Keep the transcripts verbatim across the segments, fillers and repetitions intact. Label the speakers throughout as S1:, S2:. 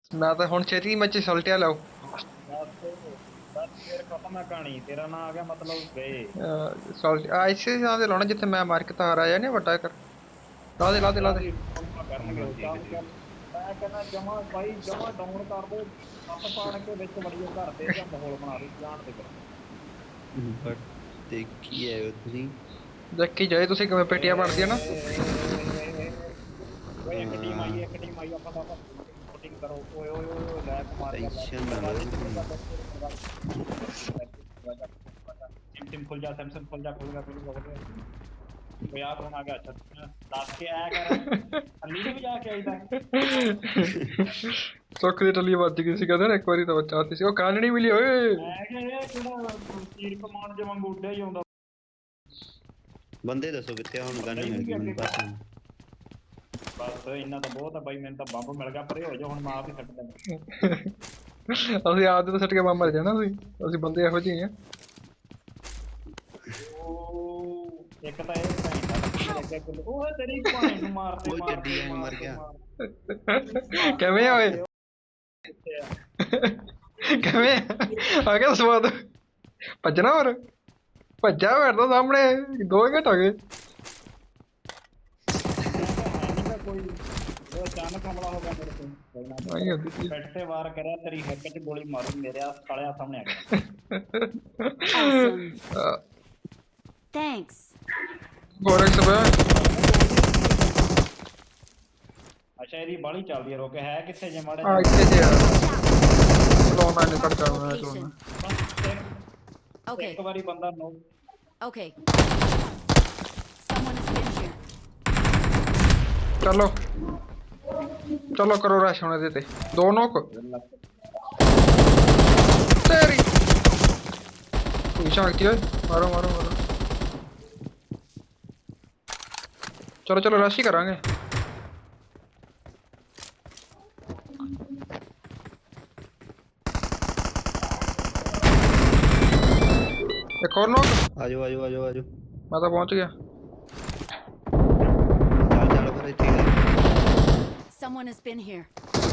S1: ਮੈਂ ਤਾਂ ਹੁਣ ਛੇਤੀ ਮੱਚ ਸਲਟਿਆ ਲਾਓ।
S2: ਬਸ ਬਸ ਫਿਰ ਖਤਮ ਹੈ ਕਹਾਣੀ, ਤੇਰਾ ਨਾਂ ਆ ਗਿਆ ਮਤਲਬ ਗਏ।
S1: ਸਲਟ ਆ ਇਸੇ ਥਾਂ ਤੇ ਲਾਉਣਾ ਜਿੱਥੇ ਮੈਂ ਮਾਰ ਕੇ ਤਾਰ ਆਇਆ ਨੇ ਵੱਡਾ ਕਰ। ਲਾ ਦੇ ਲਾ ਦੇ ਲਾ ਦੇ।
S2: ਯਾਰ ਇਹ ਫੋਲਮਾ ਕਰਨਗੇ
S3: ਹਾਂ
S2: ਉਹ,
S3: ਠੀਕ ਹੈ
S2: ਚੱਲ
S3: ਠੀਕ
S2: ਚੱਲ। ਮੈਂ ਕਹਿੰਦਾ ਜਮਾ ਬਾਈ ਜਮਾ ਡਾਊਨ ਕਰ ਦੋ, ਹੱਥ ਪਾੜ ਕੇ ਵਿੱਚ ਵੜੀਏ ਘਰ ਦੇ ਜਾਂ ਮਾਹੌਲ ਬਣਾ ਦੇ ਜਾਣ ਦੇ ਫਿਰ।
S3: ਹੈ। ਬਟ ਦੇਖੀ ਹੈ ਉਤਨੀ।
S1: ਦੇਖੀ ਜਾਏ ਤੁਸੀਂ ਕਿਵੇਂ ਪੇਟੀਆਂ ਬਣਦੀਆਂ ਨਾ।
S2: ਓਏ ਇੱਕ ਟੀਮ ਆਈ ਇੱਕ ਟੀਮ ਆਈ ਆਪਾਂ ਤਾਂ ਸ਼ੂਟਿੰਗ ਕਰੋ। ਓਏ ਓਏ ਓਏ ਓਏ ਲੈਕ ਮਾਰ ਗਿਆ
S3: ਟੈਨਸ਼ਨ ਨਾ ਲਓ ਤੁਸੀਂ।
S2: ਸਿਮ ਸਿਮ ਖੁੱਲ ਜਾ, ਸਿਮ ਸਿਮ ਖੁੱਲ ਜਾ, ਖੁੱਲ ਗਿਆ ਖੁੱਲ ਗਿਆ। ਓਏ ਆ ਕੌਣ ਆ ਗਿਆ? ਅੱਛਾ ਦੱਸ ਕੇ ਆਇਆ ਕਰ, ਅਲੀ ਨੂੰ ਵੀ ਜਾ ਕੇ ਆਈਦਾ।
S1: ਸੁੱਖ ਦੀ ਟੱਲੀ ਵੱਜ ਗਈ ਸੀ ਕਹਿੰਦੇ ਨਾ ਇੱਕ ਵਾਰੀ ਤਾਂ ਬੱਚਾ ਆਤੀ ਸੀ ਉਹ ਕੰਨ ਨਹੀਂ ਮਿਲੀ ਓਏ।
S2: ਮੈਂ ਕਿਹਾ ਇਹ ਕਿਹੜਾ ਤੀਰ ਕਮਾਨ ਜੇ ਵਾਂਗੂ ਉੱਡਿਆ ਹੀ ਆਉਂਦਾ।
S3: ਬੰਦੇ ਦੱਸੋ ਕਿੱਥੇ ਆ ਹੁਣ? ਗਨ ਹੈਗੀ ਮੈਨੂੰ ਪਤਾ ਨਹੀਂ।
S2: ਬਸ ਇੰਨਾ ਤਾਂ ਬਹੁਤ ਆ ਬਾਈ, ਮੈਨੂੰ ਤਾਂ ਬੰਬ ਮਿਲ ਗਿਆ, ਪਰੇ ਹੋ ਜਾ ਹੁਣ ਮੈਂ ਆਪ ਹੀ ਸੱਟ ਦਿੰਦਾ।
S1: ਅਸੀਂ ਆਪਦੇ ਤੋਂ ਸੱਟ ਕੇ ਬੰਬ ਮਰ ਜਾਣਾ ਸੀ। ਅਸੀਂ ਬੰਦੇ ਇਹੋ ਜਿਹੇ ਆ।
S2: ਉਹ ਇੱਕ ਤਾਂ ਇਹ ਭੈਣ ਦਾ ਲੱਗੀ ਲੱਗਿਆ ਕਿ ਉਹ ਤੇਰੀ ਭੈਣ ਨੂੰ ਮਾਰਦੇ
S3: ਉਹ
S2: ਮਾਰਦੇ
S3: ਚੱਡੀ ਐਵੇਂ ਮਰ ਗਿਆ।
S1: ਕਿਵੇਂ ਆ ਓਏ? ਕਿਵੇਂ ਆ ਗਿਆ ਸਵਾਦ? ਭੱਜਣਾ ਹੋਰ ਭੱਜਾ ਬੈਠਦਾ ਸਾਹਮਣੇ ਦੋ ਘੰਟੇ ਹੋ ਗਏ।
S2: ਕੋਈ ਉਹ ਅਚਾਨਕ ਹਮਲਾ ਹੋ ਗਿਆ ਮੇਰੇ ਤੇ।
S1: ਆਈ ਹੁੰਦੀ ਸੀ।
S2: ਪਿੱਠ ਤੇ ਵਾਰ ਕਰਿਆ, ਤੇਰੀ ਹਿੱਕ 'ਚ ਗੋਲੀ ਮਾਰੂ, ਮੇਰੇ ਆ ਸਾਲਿਆ ਸਾਹਮਣੇ ਆ ਗਿਆ।
S4: Awesome. Thanks.
S1: ਗੋਰਖ ਸਭਾ
S2: ਅੱਛਾ ਇਹਦੀ ਬਾਲੀ ਚੱਲਦੀ ਹੈ, ਰੋਕ ਹੈ ਕਿੱਥੇ ਜੇ ਮਾੜੇ
S1: ਆ ਇੱਥੇ ਜੇ ਆ ਲੋ ਮੈਂ ਨਿਕਲ ਜਾਣਾ
S4: Location. Okay.
S2: ਇੱਕ ਵਾਰੀ ਬੰਦਾ ਨੋ
S4: Okay. Someone has been here.
S1: ਚਲੋ ਚਲੋ ਕਰੋ ਰਸ਼ ਹੁਣ ਇਹਦੇ ਤੇ ਦੋ ਨੋਕ ਤੇਰੀ ਕੋਈ ਸ਼ਾਂਤੀ ਓਏ ਮਾਰੋ ਮਾਰੋ ਮਾਰੋ। ਚਲੋ ਚਲੋ ਰਸ਼ ਹੀ ਕਰਾਂਗੇ। ਇੱਕ ਹੋਰ ਨੋਕ।
S3: ਆ ਜਾਓ ਆ ਜਾਓ ਆ ਜਾਓ ਆ ਜਾਓ।
S1: ਮੈਂ ਤਾਂ ਪਹੁੰਚ ਗਿਆ।
S3: ਚੱਲ ਚੱਲ ਫਿਰ ਇੱਥੇ ਹੀ ਆ।
S4: Someone has been here.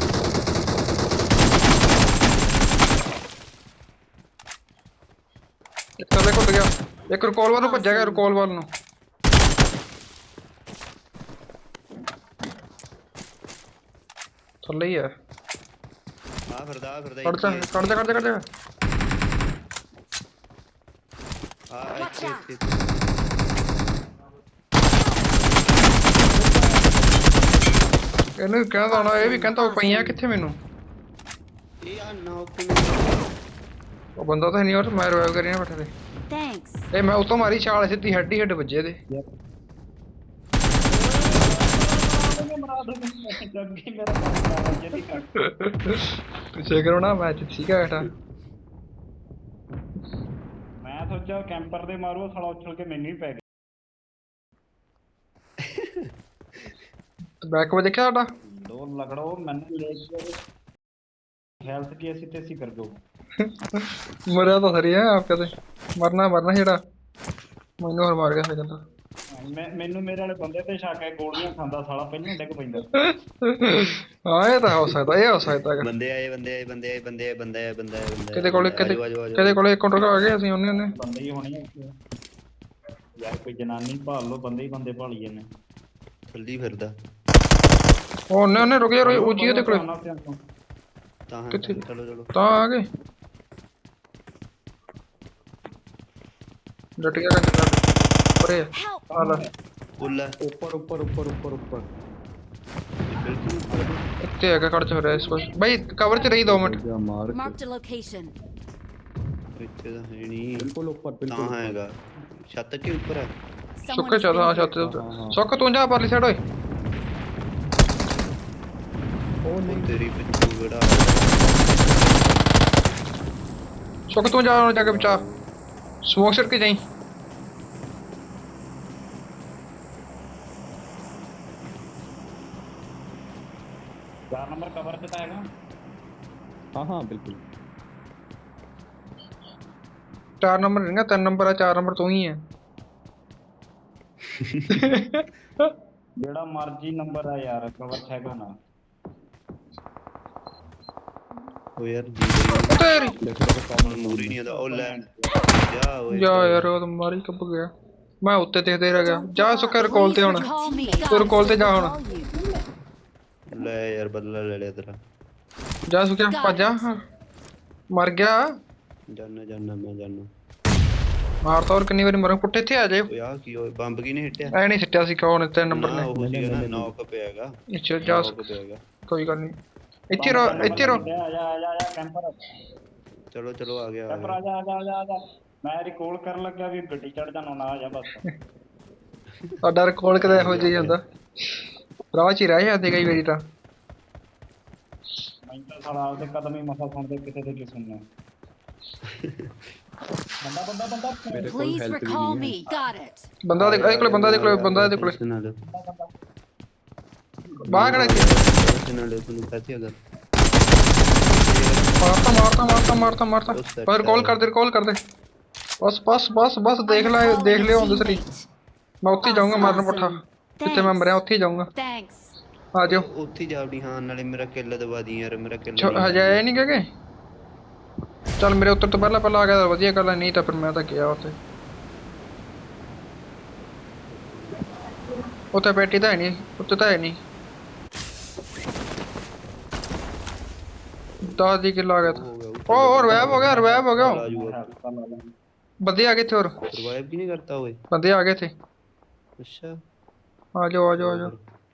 S1: ਇੱਕ ਥੱਲੇ ਘੁੱਟ ਗਿਆ, ਇੱਕ ਰਿਕਾਲ ਵੱਲ ਨੂੰ ਭੱਜਿਆ ਗਿਆ, ਰਿਕਾਲ ਵੱਲ ਨੂੰ। ਥੱਲੇ ਹੀ ਆ।
S3: ਆ ਫਿਰਦਾ ਆ ਫਿਰਦਾ
S1: ਕੱਢ ਜਾ
S3: ਇੱਥੇ।
S1: ਕੱਢ ਜਾ ਕੱਢ ਜਾ ਕੱਢ ਜਾ।
S3: ਆ
S4: Watch
S3: ਇੱਥੇ
S4: out.
S3: ਇੱਥੇ।
S1: ਇਹਨੂੰ ਵੀ ਕਹਿੰਦਾ ਹੋਣਾ, ਇਹ ਵੀ ਕਹਿੰਦਾ ਪਈਆਂ ਕਿੱਥੇ ਮੈਨੂੰ।
S3: ਇਹ ਆ ਨੌਕ
S1: ਉਹ ਬੰਦਾ ਤਾਂ ਨਹੀਂ, ਉਹ ਮੈਂ ਰਿਵਾਈਵ ਕਰੀ ਨਾ ਬੈਠੇ ਤੇ।
S4: Thanks.
S1: ਇਹ ਮੈਂ ਉਤੋਂ ਮਾਰੀ ਛਾਲ ਸਿੱਧੀ ਹੈਡ ਹੀ ਹੈਡ ਵੱਜੇ ਇਹਦੇ।
S2: ਮਰਾ ਦੋ ਜੱਗੀ ਮੇਰਾ ਕੰਮ ਕਰਾ ਜਦੀ ਕੱਟ।
S1: ਪਿੱਛੇ ਕਰੋ ਨਾ ਮੈਚ ਠੀਕ ਹੈ ਬੇਟਾ।
S2: ਮੈਂ ਸੋਚਿਆ ਕੈਂਪਰ ਦੇ ਮਾਰੂ, ਸਾਲਾ ਉਛਲ ਕੇ ਮੈਨੂੰ ਹੀ ਪੈ ਗਿਆ।
S1: ਬੈਕ ਵੇ ਦੇਖਿਆ ਸਾਡਾ
S2: ਦੋ ਲਗੜੋ ਮੈਨੂੰ ਲੈ ਕੇ ਹੈਲਥ ਕੀ ਅਸੀਂ ਤੇ ਅਸੀਂ ਕਰ ਦੋ।
S1: ਮਰਿਆ ਤਾਂ ਸਰੀ ਹੈ ਆਪ ਕਦੇ ਮਰਨਾ ਮਰਨਾ ਜਿਹੜਾ ਮੈਨੂੰ ਹੋਰ ਮਾਰ ਗਿਆ ਫਿਰ ਕਹਿੰਦਾ।
S2: ਮੈਂ ਮੈਨੂੰ ਮੇਰੇ ਵਾਲੇ ਬੰਦੇ ਤੇ ਸ਼ੱਕ ਹੈ, ਗੋਲੀਆਂ ਖਾਂਦਾ ਸਾਲਾ ਪਹਿਲਾਂ ਹੀ ਡਿੱਗ ਪੈਂਦਾ।
S1: ਹਾਂ ਇਹ ਤਾਂ ਹੋ ਸਕਦਾ, ਇਹ ਹੋ ਸਕਦਾ ਹੈਗਾ।
S3: ਬੰਦੇ ਆਏ ਬੰਦੇ ਆਏ ਬੰਦੇ ਆਏ ਬੰਦੇ ਆਏ ਬੰਦੇ ਆਏ ਬੰਦੇ ਆਏ ਬੰਦੇ
S1: ਕਿਤੇ ਕੋਲੇ ਕਿਤੇ ਕਿਤੇ ਕੋਲੇ ਇੱਕ ਕਾਊਂਟਰ ਆ ਗਏ ਅਸੀਂ ਉਹਨੇ ਉਹਨੇ
S2: ਬੰਦੇ ਹੀ ਹੋਣੇ ਆ। ਯਾਰ ਕੋਈ ਜਨਾਨੀ ਭਾਲ ਲੋ, ਬੰਦੇ ਹੀ ਬੰਦੇ ਭਾਲੀ ਜਾਂਦੇ।
S3: ਥੱਲੀ ਫਿਰਦਾ
S1: ਉਹ ਉਹਨੇ ਉਹਨੇ ਰੁਕ ਜਾ ਉੱਚੀ ਉਹਦੇ ਕੋਲੇ
S3: ਤਾਂ ਹਾਂ
S1: ਕਿੱਥੇ?
S3: ਚਲੋ ਚਲੋ।
S1: ਤਾਂ ਆ ਗਏ ਡਟ ਗਿਆ ਕੰਜਰ ਪਰੇ
S4: Help.
S1: ਆ ਲੈ
S3: ਉੱਲਾ
S2: ਉੱਪਰ ਉੱਪਰ ਉੱਪਰ ਉੱਪਰ ਉੱਪਰ
S3: ਬਿਲਕੁਲ ਉੱਪਰ।
S1: ਇੱਥੇ ਹੈਗਾ ਖੜ ਚ ਹੋ ਰਿਹਾ ਇਸ ਪਾਸ ਬਾਈ ਕਵਰ ਚ ਰਹੀ ਦੋ ਮਿੰਟ।
S4: Marked a location.
S3: ਇੱਥੇ ਤਾਂ ਹੈ ਨਹੀਂ।
S2: ਬਿਲਕੁਲ ਉੱਪਰ
S3: ਤਾਂ ਹੈਗਾ ਛੱਤ ਕੇ ਉੱਪਰ ਹੈ।
S4: Someone
S1: ਸੁੱਕੇ
S4: has
S1: ਚੱਲ ਹਾਂ
S4: been
S1: ਛੱਤ
S4: here.
S1: ਦੇ ਉੱਤੇ ਸੁੱਕ ਤੂੰ ਜਾ ਪਰਲੀ ਸਾਈਡ ਓਏ।
S3: ਉਹ ਨਹੀਂ ਤੇਰੀ ਪਿੱਛੂ ਜਿਹੜਾ
S1: ਸੁੱਕ ਤੂੰ ਜਾ ਜਾ ਕੇ ਬਚਾ ਸਮੋਕ ਸਿਰ ਕੇ ਜਾਈ।
S2: ਚਾਰ ਨੰਬਰ ਕਵਰ ਤੇ ਤਾਂ ਹੈਗਾ।
S5: हाँ हाँ बिल्कुल।
S1: ਚਾਰ ਨੰਬਰ ਨਹੀਂ ਨਾ ਤਿੰਨ ਨੰਬਰ ਆ, ਚਾਰ ਨੰਬਰ ਤੂੰ ਹੀ ਹੈ।
S2: ਜਿਹੜਾ ਮਰਜੀ ਨੰਬਰ ਆ ਯਾਰ, ਕਵਰ ਹੈਗਾ ਨਾ।
S3: ਉਹ ਯਾਰ ਜੀ ਗਈ
S1: ਉਹ ਤੇਰੀ
S3: ਹੁਣ ਮੂਰੀ ਨਹੀਂ ਆਉਂਦਾ ਉਹ ਲੈ ਜਾ ਓਏ
S1: ਜਾ ਯਾਰ ਉਹ ਤਾਂ ਮਾਰੀ ਕੱਪ ਗਿਆ ਮੈਂ ਉੱਤੇ ਦੇਖਦੇ ਰਹਿ ਗਿਆ ਜਾ ਸੁੱਕਾ ਰਿਕਾਲ ਤੇ ਹੁਣ
S4: Recall me.
S1: ਤੂੰ ਰਿਕਾਲ
S4: Guys,
S1: ਤੇ ਜਾ
S4: I
S1: ਹੁਣ
S4: recall you.
S3: ਲੈ ਯਾਰ ਬਦਲਾ ਲੈ ਲਿਆ ਤੇਰਾ
S1: ਜਾ ਸੁੱਕਿਆ ਭੱਜ ਜਾ ਮਰ ਗਿਆ
S3: ਜਾਨਾ ਜਾਨਾ ਮੈਂ ਜਾਨਾ
S1: ਮਾਰ ਤਾਂ ਹੋਰ ਕਿੰਨੀ ਵਾਰੀ ਮਰਾਂ ਪੁੱਠੇ ਇੱਥੇ ਆ ਜਾਏ
S3: ਓਏ ਆ ਕੀ ਹੋਇਆ ਬੰਬ ਕੀ ਨੇ ਹਿੱਟਿਆ
S1: ਐ ਨਹੀਂ ਸਿੱਟਿਆ ਸੀ ਕੌਣ ਤਿੰਨ ਨੰਬਰ
S3: ਨਾ
S1: ਨੇ
S3: ਉਹ ਸੀਗਾ ਨਾ ਨੌਕ ਪਿਆਗਾ
S1: ਇੱਥੇ ਜਾ
S3: ਨੌਕ ਪਿਆਗਾ
S1: ਕੋਈ ਗੱਲ ਨਹੀਂ ਇੱਥੇ ਰੋ ਇੱਥੇ ਰੋ
S2: ਆ ਜਾ ਆ ਜਾ ਆ ਜਾ ਕੈਂਪਰ
S3: ਚਲੋ ਚਲੋ ਆ ਗਿਆ ਆ
S2: ਕੈਂਪਰ
S3: ਗਿਆ
S2: ਆ ਜਾ ਆ ਜਾ ਆ ਜਾ, ਆ ਜਾ ਮੈਂ ਰਿਕਾਲ ਕਰਨ ਲੱਗਾ ਵੀ ਗੱਡੀ ਚੜ ਜਾਣਾ ਨਾ ਆ ਜਾ ਬਸ
S1: ਸਾਡਾ ਰਿਕਾਲ ਕਦੇ ਇਹੋ ਜਿਹਾ ਹੀ ਹੁੰਦਾ ਰਾਹ ਚ ਹੀ ਰਹਿ ਜਾਂਦੇ ਕਈ ਵਾਰੀ ਤਾਂ
S2: ਮੈਂ ਤਾਂ ਸਾਲਾ ਆਪਦੇ ਕਦਮ ਹੀ ਮਸਾ ਸੁਣਦੇ ਕਿਸੇ ਦੇ ਕੀ ਸੁਣਨਾ ਬੰਦਾ ਬੰਦਾ ਬੰਦਾ
S5: मेरे को
S4: Please
S5: हेल्थ भी
S4: recall
S5: नहीं
S4: me. Got it.
S1: ਬੰਦਾ ਦੇ ਇਹ ਕੋਲੇ ਬੰਦਾ ਦੇ ਕੋਲੇ ਬੰਦਾ ਦੇ ਕੋਲੇ
S3: ਟੈਨਸ਼ਨ ਨਾ ਲਓ
S1: ਬਾਹਰ ਖੜਾ ਇੱਥੇ
S3: ਟੈਨਸ਼ਨ ਨਾ ਲਓ ਤੁਹਾਨੂੰ ਕਹਤੀ ਅਗਰ
S1: ਮਾਰਤਾ ਮਾਰਤਾ ਮਾਰਤਾ ਮਾਰਤਾ ਮਾਰਤਾ ਪਰ ਕਾਲ ਕਰ ਦੇ ਕਾਲ ਕਰ ਦੇ ਬਸ ਬਸ ਬਸ ਬਸ ਦੇਖ ਲੈ
S4: I'm
S1: ਦੇਖ
S4: recalling
S1: ਲਿਓ
S4: a
S1: ਦੂਸਰੀ
S4: teammate.
S1: ਮੈਂ ਉੱਥੇ ਹੀ ਜਾਊਂਗਾ ਮਾਰਨ ਪੱਠਾ ਜਿੱਥੇ ਮੈਂ ਮਰਿਆ ਉੱਥੇ ਹੀ ਜਾਊਂਗਾ
S4: Thanks.
S1: ਆ ਜਾਓ
S3: ਉੱਥੇ ਹੀ ਜਾਵੜੀ ਹਾਂ ਨਾਲੇ ਮੇਰਾ ਕਿੱਲ ਦਵਾ ਦੀ ਯਾਰ ਮੇਰਾ ਕਿੱਲ
S1: ਛੋ- ਹਜੇ ਆਏ ਨਹੀਂ ਕਹਗੇ ਚੱਲ ਮੇਰੇ ਉੱਤਰ ਤੋਂ ਪਹਿਲਾਂ ਪਹਿਲਾਂ ਆ ਗਿਆ ਤਾਂ ਵਧੀਆ ਗੱਲ ਹੈ ਨਹੀਂ ਤਾਂ ਫਿਰ ਮੈਂ ਤਾਂ ਗਿਆ ਉੱਥੇ ਉੱਥੇ ਬੈਠੀ ਤਾਂ ਹੈ ਨਹੀਂ ਉੱਤੇ ਤਾਂ ਹੈ ਨਹੀਂ ਦਸ ਦੀ ਕਿੱਲ ਆ ਗਿਆ ਤਾਂ ਉਹ ਉਹ ਰਿਵਾਈਵ ਹੋ ਗਿਆ ਰਿਵਾਈਵ ਹੋ ਗਿਆ
S3: ਆ ਜੂਗਾ
S1: ਬੰਦੇ ਆ ਗਏ ਇੱਥੇ ਹੋਰ
S3: ਸਰਵਾਈਵ ਕੀ ਨਹੀਂ ਕਰਤਾ ਓਏ
S1: ਬੰਦੇ ਆ ਗਏ ਇੱਥੇ
S3: ਅੱਛਾ
S1: ਆ ਜਾਓ ਆ ਜਾਓ ਆ ਜਾਓ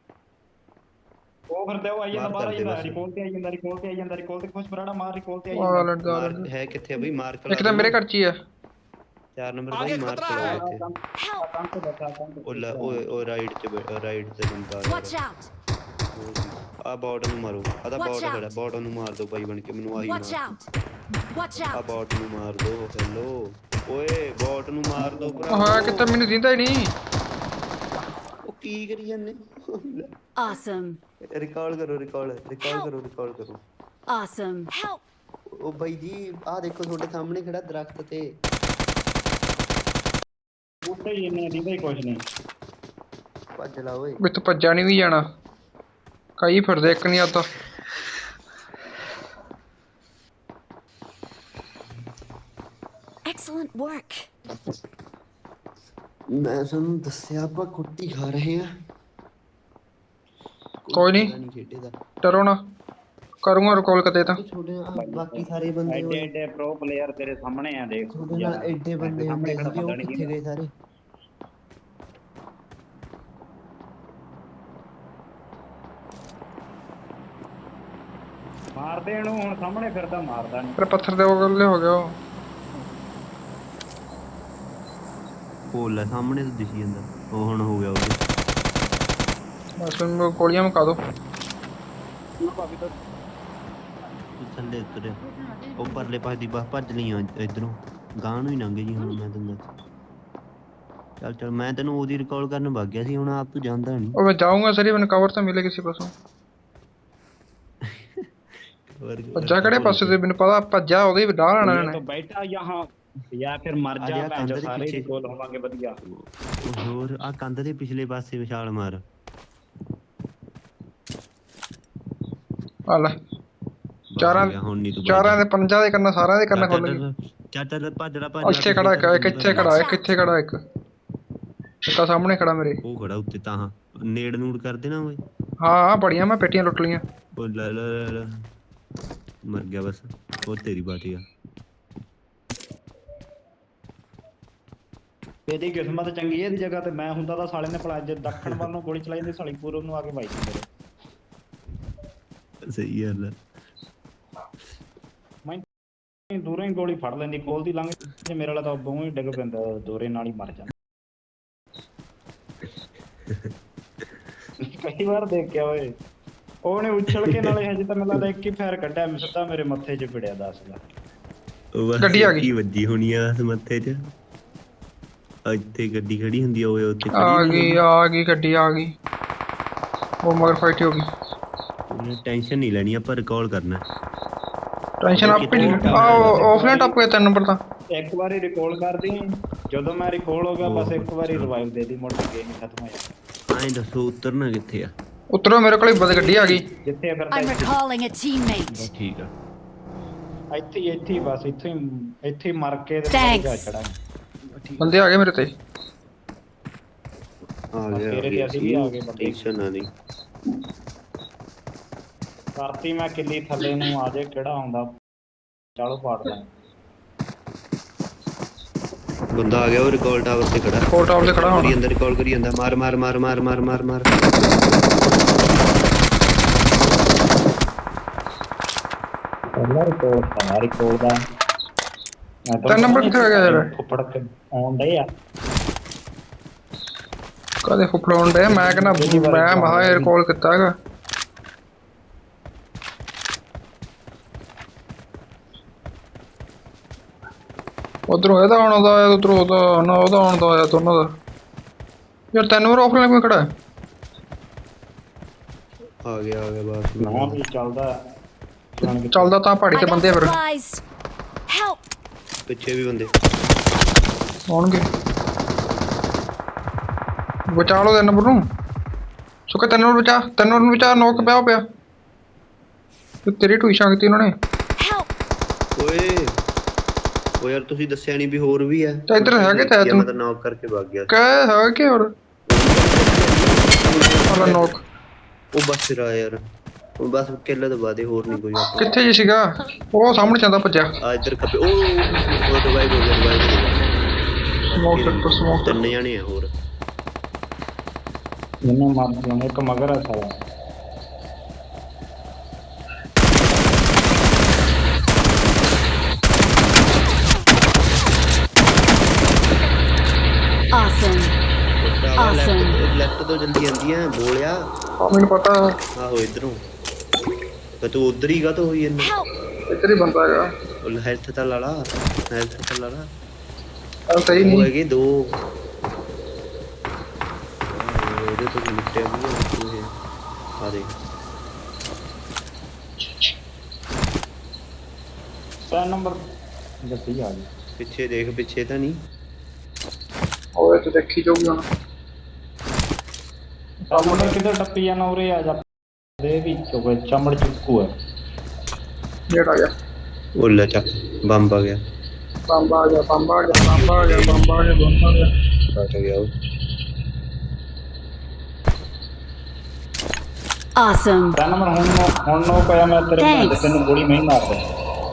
S2: ਉਹ ਫਿਰਦੇ ਉਹ ਆਈ ਜਾਂਦਾ
S3: ਮਾਰ
S2: ਬਾਹਰ ਆਈ
S3: ਕਰਦੇ
S2: ਜਾਂਦਾ
S3: ਬਸ।
S2: ਰਿਕਾਲ ਤੇ ਆਈ ਜਾਂਦਾ ਰਿਕਾਲ ਤੇ ਆਈ ਜਾਂਦਾ ਰਿਕਾਲ ਤੇ ਖੁਸ਼ ਬਰਾੜਾ ਮਾਰ ਰਿਕਾਲ ਤੇ ਆਈ
S1: ਆ
S2: ਜਾਂਦਾ
S1: ਲੜ
S3: ਮਾਰ
S1: ਜਾ
S3: ਹੈ ਕਿੱਥੇ ਆ ਬਈ ਮਾਰ
S1: ਇੱਕ ਤਾਂ ਮੇਰੇ ਘਰ ਚ ਹੀ ਆ
S3: ਚਾਰ ਨੰਬਰ ਬਾਈ ਮਾਰ ਚਲਾ ਇੱਥੇ
S4: Help.
S2: ਕੰਮ ਤੇ ਬੈਠਾ ਕੰਮ ਤੇ
S3: ਉਹ ਲੈ ਓਏ ਉਹ ਰਾਈਟ ਚ ਰਾਈਟ ਤੇ ਬੰਦਾ
S4: Watch out.
S3: ਆ ਬੌਟ ਨੂੰ ਮਾਰੋ ਆ ਤਾਂ
S4: Watch
S3: ਬੌਟ
S4: out.
S3: ਖੜਾ ਬੌਟ ਨੂੰ ਮਾਰ ਦੋ ਬਾਈ ਬਣ ਕੇ ਮੈਨੂੰ ਆਹੀ
S4: Watch
S3: ਮਾਰ
S4: out. Watch
S3: ਆ
S4: out.
S3: ਬੌਟ ਨੂੰ ਮਾਰ ਦੋ ਹੈਲੋ ਓਏ ਬੌਟ ਨੂੰ ਮਾਰ ਦੋ ਭਰਾ
S1: ਹਾਂ ਕਿਤੇ ਮੈਨੂੰ ਦਿੰਦਾ ਹੀ ਨਹੀਂ
S3: ਉਹ ਕੀ ਕਰੀ ਜਾਂਦੇ
S4: Awesome.
S3: ਰਿਕਾਰਡ ਕਰੋ ਰਿਕਾਰਡ ਰਿਕਾਰਡ ਕਰੋ ਰਿਕਾਰਡ ਕਰੋ
S4: Awesome. Help.
S3: ਉਹ ਬਾਈ ਜੀ ਆਹ ਦੇਖੋ ਤੁਹਾਡੇ ਸਾਹਮਣੇ ਖੜਾ ਦਰਖਤ ਤੇ
S2: ਬੂਟੇ ਹੀ ਇੰਨੇ ਦਿੰਦੇ ਕੁਝ ਨਹੀਂ
S3: ਭੱਜ ਲਾ ਓਏ
S1: ਵਿੱਚ ਭੱਜਾ ਨਹੀਂ ਵੀ ਜਾਣਾ ਕਈ ਫਿਰਦੇ ਇੱਕ ਨਹੀਂ ਆਤਾ
S4: Excellent work.
S3: ਮੈਂ ਤੁਹਾਨੂੰ ਦੱਸਿਆ ਆਪਾਂ ਕੁੱਟੀ ਖਾ ਰਹੇ ਆ
S1: ਕੋਈ ਨਹੀਂ
S3: ਨਹੀਂ ਖੇਡੇ ਦਾ
S1: ਡਰੋ ਨਾ ਕਰੂੰਗਾ ਰਿਕਾਲ ਕਦੇ ਤਾਂ
S3: ਛੋਟੇ ਬਾਕੀ ਸਾਰੇ ਬੰਦੇ
S2: ਐਡੇ ਐਡੇ ਪ੍ਰੋ ਪਲੇਅਰ ਤੇਰੇ ਸਾਹਮਣੇ ਆ ਦੇਖ
S3: ਤੁਹਾਡੇ ਨਾਲ ਐਡੇ ਬੰਦੇ ਹੁੰਦੇ ਸੀਗੇ ਉਹ ਕਿੱਥੇ ਗਏ ਸਾਰੇ
S2: ਮਾਰਦੇ ਇਹਨੂੰ ਹੁਣ ਸਾਹਮਣੇ ਫਿਰਦਾ ਮਾਰਦਾ ਨਹੀਂ
S1: ਪਰ ਪੱਥਰ ਦੇ ਉਹਲੇ ਹੋ ਗਿਆ ਉਹ
S3: ਉਹ ਲੈ ਸਾਹਮਣੇ ਤੋਂ ਦਿਸੀ ਜਾਂਦਾ ਉਹ ਹੁਣ ਹੋ ਗਿਆ ਉਹ
S1: ਬਸ ਮੈਨੂੰ ਗੋਲੀਆਂ ਮਕਾ ਦੋ
S3: ਥੱਲੇ ਉਤਰਿਆ ਉਹ ਪਰਲੇ ਪਾਸੇ ਦੀ ਬਸ ਭੱਜ ਲਈ ਇਧਰੋਂ ਗਾਂ ਨੂੰ ਹੀ ਲੰਘ ਜੀ ਹੁਣ ਮੈਂ ਤੈਨੂੰ ਦੱਸ ਚੱਲ ਚੱਲ ਮੈਂ ਤੈਨੂੰ ਉਹਦੀ ਰਿਕਾਲ ਕਰਨ ਵਗ ਗਿਆ ਸੀ ਹੁਣ ਆਪ ਤੂੰ ਜਾਂਦਾ ਨਹੀਂ
S1: ਉਹ ਮੈਂ ਜਾਊਂਗਾ ਸਰੀ ਮੈਨੂੰ ਕਵਰ ਤਾਂ ਮਿਲੇ ਕਿਸੇ ਪਾਸੋਂ ਭੱਜਾ ਕਿਹੜੇ ਪਾਸੇ ਤੇ ਮੈਨੂੰ ਪਤਾ ਭੱਜਾ ਉਹਦੇ ਵੀ ਡਾਹ ਲੈਣਾ
S2: तो
S1: ਇਹਨੇ
S2: बैठा यहाँ या फिर मर
S3: आ
S2: जा
S3: जा,
S2: भैन जो
S3: कंध के
S2: सारे
S3: पीछे।
S2: रिकॉल होवांगे बढ़िया
S3: ਹੋਰ ਆ ਕੰਧ ਦੇ ਪਿਛਲੇ ਪਾਸੇ ਵਿਛਾਲ ਮਾਰ
S1: ਆ ਲੈ ਚਾਰਾਂ
S3: ਗਿਆ, ਹੁਣ ਨਹੀਂ ਤੂੰ
S1: ਚਾਰਾਂ ਦੇ ਪੰਜਾਂ ਦੇ ਕਰਨਾ ਸਾਰਿਆਂ ਦੇ ਕਰਨਾ ਖੁੱਲ ਗਈ
S3: ਚੱਲ ਚੱਲ ਭੱਜੜਾ ਭੱਜ
S1: ਇੱਥੇ ਖੜਾ ਇੱਕ ਇੱਕ ਇੱਥੇ ਖੜਾ ਇੱਕ ਇੱਥੇ ਖੜਾ ਇੱਕ ਇੱਕ ਆ ਸਾਹਮਣੇ ਖੜਾ ਮੇਰੇ
S3: ਉਹ ਖੜਾ ਉੱਤੇ ਤਾਂ ਹਾਂ ਨੇੜ ਨੂੜ ਕਰ ਦੇਣਾ ਓਏ
S1: ਹਾਂ ਹਾਂ ਬੜੀਆਂ ਮੈਂ ਪੇਟੀਆਂ ਲੁੱਟ ਲੀਆਂ
S3: ਉਹ ਲੈ ਲੈ ਲੈ ਲੈ। ਮਰ ਗਿਆ ਬਸ ਉਹ ਤੇਰੀ ਬਾਤ ਆ
S2: ਇਹਦੀ ਕਿਸਮਤ ਚੰਗੀ ਹੈ ਇਹਦੀ ਜਗ੍ਹਾ ਤੇ ਮੈਂ ਹੁੰਦਾ ਤਾਂ ਸਾਲੇ ਨੇ ਭਲਾ ਜੇ ਦੱਖਣ ਵੱਲ ਨੂੰ ਗੋਲੀ ਚਲਾਈ ਜਾਂਦੀ ਸਾਲੀ ਪੂਰਬ ਨੂੰ ਆ ਕੇ ਵੱਜਦੀ ਮੇਰੇ
S3: ਸਹੀ ਗੱਲ ਆ।
S2: ਮੈਂ ਦੂਰੋਂ ਹੀ ਗੋਲੀ ਫੜ ਲੈਂਦੀ ਕੋਲ ਦੀ ਲੰਘ ਜੇ ਮੇਰੇ ਵਾਲਾ ਤਾਂ ਬਹੁ ਹੀ ਡਿੱਗ ਪੈਂਦਾ ਦੋਰੇ ਨਾਲ ਹੀ ਮਰ ਜਾਂਦਾ ਕਈ ਵਾਰ ਦੇਖਿਆ ਓਏ ਉਹਨੇ ਉਛਲ ਕੇ ਨਾਲੇ ਹਜੇ ਤਾਂ ਮੈਨੂੰ ਲੱਗਦਾ ਇੱਕ ਹੀ ਫਾਇਰ ਕੱਢਿਆ ਮੈਂ ਸਿੱਧਾ ਮੇਰੇ ਮੱਥੇ 'ਚ ਪਿੜਿਆ ਦੱਸ ਦਾ
S3: ਉਹ ਬਸ
S1: ਗੱਡੀ ਆ ਗਈ।
S3: ਕੀ ਵੱਜੀ ਹੋਣੀ ਆ ਇਸ ਮੱਥੇ 'ਚ ਆ ਇੱਥੇ ਗੱਡੀ ਖੜੀ ਹੁੰਦੀ ਆ ਓਏ ਉੱਥੇ
S1: ਆ ਗਈ ਆ ਗਈ ਗੱਡੀ ਆ ਗਈ ਉਹ ਮਗਰ ਫਾਈਟ ਹੋ ਗਈ
S3: ਉਹਨੇ ਟੈਨਸ਼ਨ ਨਹੀਂ ਲੈਣੀ ਆਪਾਂ ਰਿਕਾਲ ਕਰਨਾ
S1: ਟੈਨਸ਼ਨ ਆਪ ਹੀ ਆ ਆਫਲਾਈਨ ਟੱਪ ਗਿਆ ਤਿੰਨ ਨੰਬਰ ਤਾਂ
S2: ਇੱਕ ਵਾਰੀ ਰਿਕਾਲ ਕਰਦੀ ਜਦੋਂ ਮੈਂ ਰਿਕਾਲ ਹੋ ਗਿਆ ਬਸ ਇੱਕ ਵਾਰੀ ਰਿਵਾਈਵ ਦੇ ਦੀ ਮੁੜ ਕੇ ਗੇਮ ਖਤਮ ਹੋ ਜਾਂਦਾ
S3: ਐਂ ਦੱਸੋ ਉਤਰਨਾ ਕਿੱਥੇ ਆ
S1: ਉਤਰੋ ਮੇਰੇ ਕੋਲ ਬਦ ਗੱਡੀ ਆ ਗਈ
S2: ਜਿੱਥੇ
S4: I'm
S2: ਫਿਰਦਾ
S4: recalling a teammate.
S3: ਬਸ ਠੀਕ ਆ
S2: ਇੱਥੇ ਹੀ ਇੱਥੇ ਹੀ ਬਸ ਇੱਥੇ ਹੀ ਇੱਥੇ ਹੀ ਮਰ ਕੇ ਤੇ
S4: Thanks.
S2: ਜਾ ਚੜਾ
S1: ਬੰਦੇ ਆ ਗਏ ਮੇਰੇ ਤੇ।
S3: ਆ ਗਿਆ
S2: ਤੇਰੇ ਤੇ ਅਸੀਂ ਵੀ ਆ ਗਏ ਬੰਦੇ।
S3: ਟੈਨਸ਼ਨ ਨਾ ਨਹੀਂ।
S2: ਕਰਤੀ ਮੈਂ ਕਿੱਲੀ ਥੱਲੇ ਨੂੰ ਆ ਜੇ ਕਿਹੜਾ ਆਉਂਦਾ ਚਲੋ ਪਾੜਦਾ।
S3: ਬੰਦਾ ਆ ਗਿਆ ਉਹ ਰਿਕਾਲ ਟਾਵਰ ਤੇ ਖੜਾ।
S1: ਕੋਲ ਟਾਵਰ ਤੇ ਖੜਾ
S3: ਕਰੀ
S1: ਹੋਣਾ।
S3: ਅੰਦਰ ਰਿਕਾਲ ਕਰੀ ਜਾਂਦਾ। ਮਾਰ ਮਾਰ ਮਾਰ ਮਾਰ ਮਾਰ ਮਾਰ ਮਾਰ।
S2: ਪਹਿਲਾ ਰਿਕਾਰਡ ਤਾਂ ਰਿਕਾਰਡ ਦਾ
S1: ਤਾਂ ਨੰਬਰ ਕਿੱਥੇ ਹੋ ਗਿਆ ਯਾਰ?
S2: ਫੁੱਫੜ ਕੇ ਆਉਣ ਡੇ ਆ
S1: ਕਦੇ ਫੁੱਫੜਾਉਣ ਡੇ ਮੈਂ ਕਹਿੰਦਾ ਮੈਂ ਮਹਾ 에ਅਰ ਕਾਲ ਕੀਤਾ ਹੈਗਾ। ਉਧਰੋਂ ਇਹਦਾ ਆਉਣ ਦਾ ਆਇਆ ਉਧਰੋਂ ਉਹਦਾ ਨਾ ਉਹਦਾ ਆਉਣ ਦਾ ਆਇਆ ਦੋਨਾਂ ਦਾ। ਯਾਰ ਤੈਨੂੰ ਵਾਰ ਆਫਲਾਈਨ ਕਿਵੇਂ ਖੜਾ ਹੈ?
S3: ਆ ਗਿਆ ਆ ਗਿਆ ਬਸ।
S2: ਨਾ ਵੀ ਚੱਲਦਾ
S1: ਚੱਲਦਾ ਤਾਂ ਪਹਾੜੀ
S4: I
S1: ਤੇ
S4: got
S1: ਬੰਦੇ ਆ ਫਿਰ
S4: supplies. Help!
S3: ਪਿੱਛੇ ਵੀ ਬੰਦੇ।
S1: ਆਉਣਗੇ। ਬਚਾ ਲਓ ਤਿੰਨ ਨੰਬਰ ਨੂੰ। ਸੁੱਕਾ ਤਿੰਨ ਨੰਬਰ ਬਚਾ ਤਿੰਨ ਨੰਬਰ ਨੂੰ ਬਚਾ ਨੋਕ ਪਿਆ ਪਿਆ ਤੇ ਤੇਰੀ ਟੂਸ਼ਾਂ ਕੀਤੀ ਉਹਨਾਂ ਨੇ।
S4: Help!
S3: ਓਏ ਓ ਯਾਰ ਤੁਸੀਂ ਦੱਸਿਆ ਨਹੀਂ ਵੀ ਹੋਰ ਵੀ ਆ।
S1: ਤਾਂ ਇੱਧਰ ਹੈਗੇ ਤਾਂ
S3: ਮੈਂ ਤਾਂ ਨੌਕ ਕਰਕੇ ਭੱਗ ਗਿਆ।
S1: ਕਹਿ ਹੈ ਕਿ ਹੋਰ ਵਾਲਾ ਨੋਕ
S3: ਉਹ ਬਸ ਫਿਰ ਆ ਯਾਰ। ਉਹ ਬਸ ਕਿੱਲੇ ਤੋਂ ਬਾਅਦ ਹੋਰ ਨਹੀਂ ਕੋਈ ਆਪਾਂ।
S1: ਕਿੱਥੇ ਜੀ ਸੀਗਾ? ਉਹ ਸਾਹਮਣੇ ਜਾਂਦਾ ਭੱਜਿਆ।
S3: ਆ ਇੱਧਰ ਖੱਬੇ। ਉਹ ਉਹ ਦਵਾਈ ਹੋ ਗਿਆ ਦਵਾਈ
S1: ਸਮੋਕ ਤੇ ਸਮੋਕ
S3: ਤਿੰਨ ਜਾਣੇ ਆ ਹੋਰ।
S2: ਇਹਨੇ ਮਾਰ ਦਿਆ ਇੱਕ ਮਗਰ ਆ ਸਾਰਾ।
S4: Awesome. Awesome.
S3: ਲੈਫਟ ਤੋਂ ਜਲਦੀ ਆਂਦੀਆਂ ਬੋਲਿਆ।
S1: ਆ ਮੈਨੂੰ ਪਤਾ
S3: ਆਹੋ ਇਧਰੋਂ। ਪਰ ਤੂੰ ਉਧਰ ਹੀ ਗਾ ਤਾਂ ਹੋਈ ਇਹਨੇ।
S4: Help!
S1: ਇੱਧਰ ਹੀ ਬੰਦਾ ਹੈਗਾ।
S3: ਉਹ ਹੈਲਥ ਤਾਂ ਲਾ ਲਾ ਹੈਲਥ ਤਾਂ ਲਾ ਲਾ।
S1: ਆ ਸਹੀ
S3: ਉਹ
S1: ਨਹੀਂ
S3: ਹੈਗੇ ਦੋ। ਉਹਦੇ ਤੋਂ ਨਿਕਟਿਆ ਵੀ ਆ ਦੇ।
S2: ਤਿੰਨ ਨੰਬਰ ਗੱਡੀ ਆ ਗਈ।
S3: ਪਿੱਛੇ ਦੇਖ ਪਿੱਛੇ ਤਾਂ ਨਹੀਂ।
S1: ਉਹ ਤੇ ਦੇਖੀ ਜਾਊਗੀ ਹੁਣ।
S2: ਤਿੰਨ ਨੰਬਰ ਕਿੱਧਰ ਟੱਪੀ ਜਾਣਾ ਉਰੇ ਆ ਜਾ ਦੇ ਵੀ ਚੋਕੇ ਚਮੜ ਚੁੱਕੂ ਹੈ।
S1: ਜੇੜ ਆ ਗਿਆ
S3: ਉਹ ਲੈ ਚੱਕ ਬੰਬ ਆ ਗਿਆ।
S1: ਬੰਬ ਆ ਗਿਆ ਬੰਬ ਆ ਗਿਆ ਬੰਬ ਆ ਗਿਆ ਬੰਬ ਆ ਗਿਆ ਬੰਬ ਆ ਗਿਆ।
S3: ਕੱਟ ਗਿਆ ਉਹ।
S4: Awesome.
S2: ਤਿੰਨ ਨੰਬਰ ਹੁਣ ਨੋ- ਹੁਣ ਨੋ ਪਿਆ ਮੈਂ ਤੇਰੇ
S4: Thanks.
S2: ਬੰਦੇ ਤੈਨੂੰ ਗੋਲੀ ਨਹੀਂ ਮਾਰਦਾ।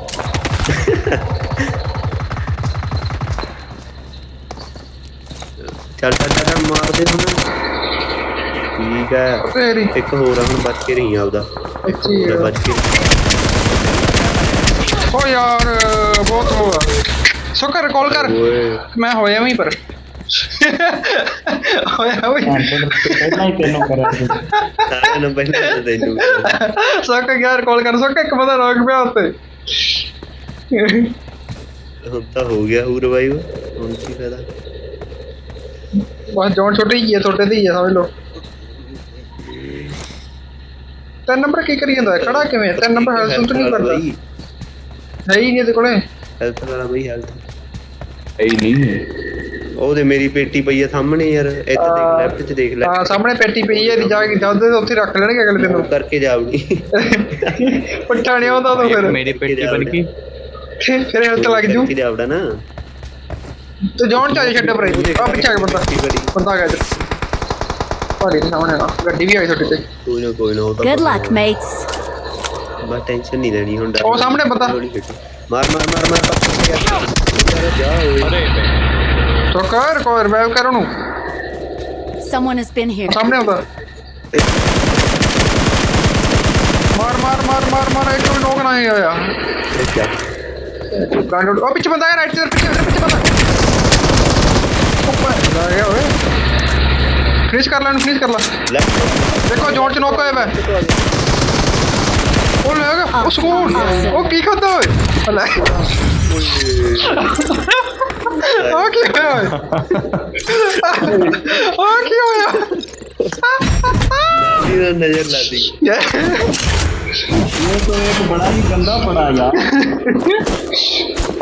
S3: ਚੱਲ ਚੱਲ ਚੱਲ ਮਾਰ ਦੇ ਹੁਣ। ਠੀਕ ਹੈ
S1: ਤੇਰੀ
S3: ਇੱਕ ਹੋਰ ਆ ਹੁਣ ਬਚ ਕੇ ਰਹੀ ਆਪਦਾ।
S1: ਇੱਥੇ ਹੀ
S3: ਹੋਰ
S1: ਆ।
S3: ਬਚ ਕੇ
S1: ਓ ਯਾਰ ਬਹੁਤ ਹੋਆ ਸੁਕਰ ਕਾਲ ਕਰ।
S3: ਓਏ
S1: ਮੈਂ ਹੋਇਆ ਵਹੀਂ ਪਰ ਹੋਇਆ ਵਹੀਂ
S2: ਹਾਂ ਤੇ ਪਹਿਲਾਂ ਹੀ ਤੈਨੂੰ ਕਰਿਆ ਸੀ।
S3: ਸਾਰਿਆਂ ਨੂੰ ਪਹਿਲਾਂ ਤਾਂ ਤੈਨੂੰ
S1: ਸੁੱਕ ਯਾਰ ਕਾਲ ਕਰ ਸੁੱਕ ਇੱਕ ਬੰਦਾ ਰੋਕ ਪਿਆ ਉੱਤੇ।
S3: ਹੁਣ ਤਾਂ ਹੋ ਗਿਆ ਹੂ ਰਿਵਾਈਵ। ਹੁਣ ਕੀ ਫਾਇਦਾ।
S1: ਬਸ ਜੌਨ ਛੋਟੀ ਹੀ ਹੈ ਤੁਹਾਡੇ ਦੀ ਹੈ ਸਮਝ ਲਓ। ਤਿੰਨ ਨੰਬਰ ਕੀ ਕਰੀ ਜਾਂਦਾ ਖੜਾ ਕਿਵੇਂ? ਤਿੰਨ ਨੰਬਰ ਹੈਲਥ ਨਹੀਂ ਕਰਦਾ ਹੈ ਹੀ ਨਹੀਂ ਇਹਦੇ ਕੋਲੇ।
S3: ਹੈਲਥ ਵਾਲਾ ਬਈ ਹੈਲਥ
S5: ਹੈ ਹੀ ਨਹੀਂ।
S3: ਉਹਦੇ ਮੇਰੀ ਪੇਟੀ ਪਈ ਆ ਸਾਹਮਣੇ ਯਾਰ। ਇੱਥੇ ਦੇਖ ਲੈਫਟ 'ਚ ਦੇਖ ਲੈ।
S1: ਹਾਂ ਸਾਹਮਣੇ ਪੇਟੀ ਪਈ ਹੈ ਇਹਦੀ ਜਾ ਕੇ ਜਾਂਦੇ ਉੱਥੇ ਰੱਖ ਲੈਣਗੇ ਅਗਲੇ ਦਿਨ ਨੂੰ।
S3: ਕਰਕੇ ਜਾਵੜੀ।
S1: ਪੁੱਠਾ ਨਹੀਂ ਆਉਂਦਾ ਤੂੰ ਫਿਰ
S5: ਮੇਰੀ ਪੇਟੀ ਬਣ ਗਈ।
S1: ਫਿਰ ਹੈਲਥ ਲੱਗ ਜੂ।
S3: ਕਰਕੇ ਜਾਵੜਾ ਨਾ।
S1: ਤੇ ਜੌਨ ਚਾਹੇ ਛੱਡੇ ਪਰ ਆ ਪਿੱਛੇ ਆ ਕੇ ਬੰਦਾ ਬੰਦਾ ਆ ਗਿਆ ਇੱਧਰ। ਭਾਰੀ ਦੇ ਸਾਹਮਣੇ ਆ ਗੱਡੀ ਵੀ ਆਈ ਤੁਹਾਡੇ ਤੇ।
S3: ਕੋਈ ਨਾ ਕੋਈ ਨਾ ਉਹ ਤਾਂ
S4: Good luck, mates.
S3: ਬਸ ਟੈਨਸ਼ਨ ਨਹੀਂ ਲੈਣੀ ਹੁਣ।
S1: ਉਹ ਸਾਹਮਣੇ ਬੰਦਾ।
S3: ਮਾਰ ਮਾਰ ਮਾਰ ਮਾਰ ਪੱਕੇ ਯਾਰ ਜਾ ਓਏ।
S5: ਅਰੇ
S1: ਤੋ ਕਰ ਕੋਈ ਰਿਵਾਈਵ ਕਰ ਉਹਨੂੰ।
S4: Someone has been here.
S1: ਸਾਹਮਣੇ ਆਉਂਦਾ। ਮਾਰ ਮਾਰ ਮਾਰ ਮਾਰ ਮਾਰ ਇੱਕ ਵੀ ਨੋਕ ਨਹੀਂ ਹੋਇਆ। ਗਾਂਡ ਉਹ ਪਿੱਛੇ ਬੰਦਾ ਹੈ ਰਾਈਟ ਸਾਈਡ ਪਿੱਛੇ ਪਿੱਛੇ ਬੰਦਾ। ਉੱਪਰ ਆ ਗਿਆ ਓਏ। ਫਿਨਿਸ਼ ਕਰ ਲੈ ਇਹਨੂੰ ਫਿਨਿਸ਼ ਕਰ ਲੈ। ਦੇਖੋ ਜੋਨ ਚ ਨੋਕ ਹੋਇਆ ਵਾ। ਉਹ ਲੈ ਗਿਆ ਉਹ ਸਕੂਨ ਉਹ ਕੀ ਖਾਦਾ ਓਏ ਲੈ ਉਹ ਕੀ ਹੋਇਆ ਓਏ ਉਹ ਕੀ ਹੋਇਆ
S3: ਇਹਦਾ ਨਜ਼ਰ ਲਾਦੀ।
S2: ये तो एक बड़ा ही गंदा पड़ा यार।